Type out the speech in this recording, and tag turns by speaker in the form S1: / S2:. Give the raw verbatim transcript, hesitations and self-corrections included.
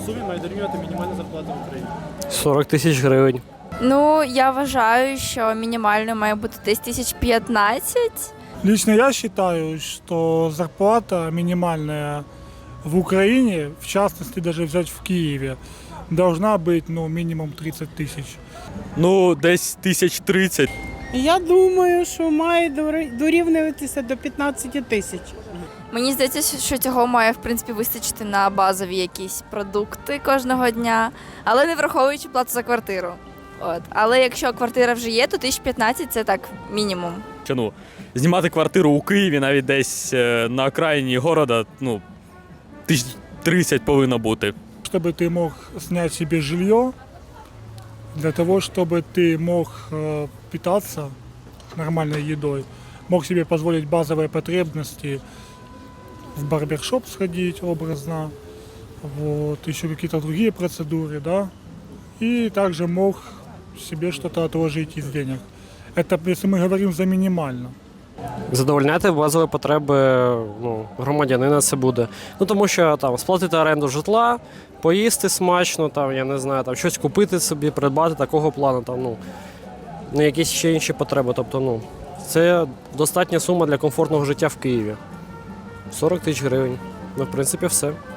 S1: сумі має дорівнювати мінімальна зарплата в Україні?
S2: сорок тисяч гривень.
S3: Ну, я вважаю, що мінімальною має бути десь тисяч п'ятнадцять.
S4: Лично я считаю, что зарплата минимальная в Украине, в частности даже взять в Киеве, должна быть ну, минимум тридцать тысяч.
S5: Ну, десь тисяч тридцять.
S6: Я думаю, що має дорівнюватися до п'ятнадцяти тисяч.
S3: Мені здається, що цього має, в принципі, вистачити на базові якісь продукти кожного дня, але не враховуючи плату за квартиру. От. Але якщо квартира вже є, то тисяч п'ятнадцять – це так мінімум.
S5: Чи, ну, знімати квартиру у Києві навіть десь е, на окраїні города, ну, тисяч тридцять повинно бути.
S4: Чтобы ты мог снять себе жилье, для того, чтобы ты мог э, питаться нормальной едой, мог себе позволить базовые потребности, в барбершоп сходить образно, вот, еще какие-то другие процедуры, да, и также мог себе что-то отложить из денег. Это если мы говорим за минимально.
S2: Задовольняти базові потреби ну, громадянина це буде. Ну тому що там сплатити оренду житла, поїсти смачно, там, я не знаю, там щось купити собі, придбати такого плану, там, ну, ну якісь ще інші потреби. Тобто, ну, це достатня сума для комфортного життя в Києві. сорок тисяч гривень. Ну, в принципі, все.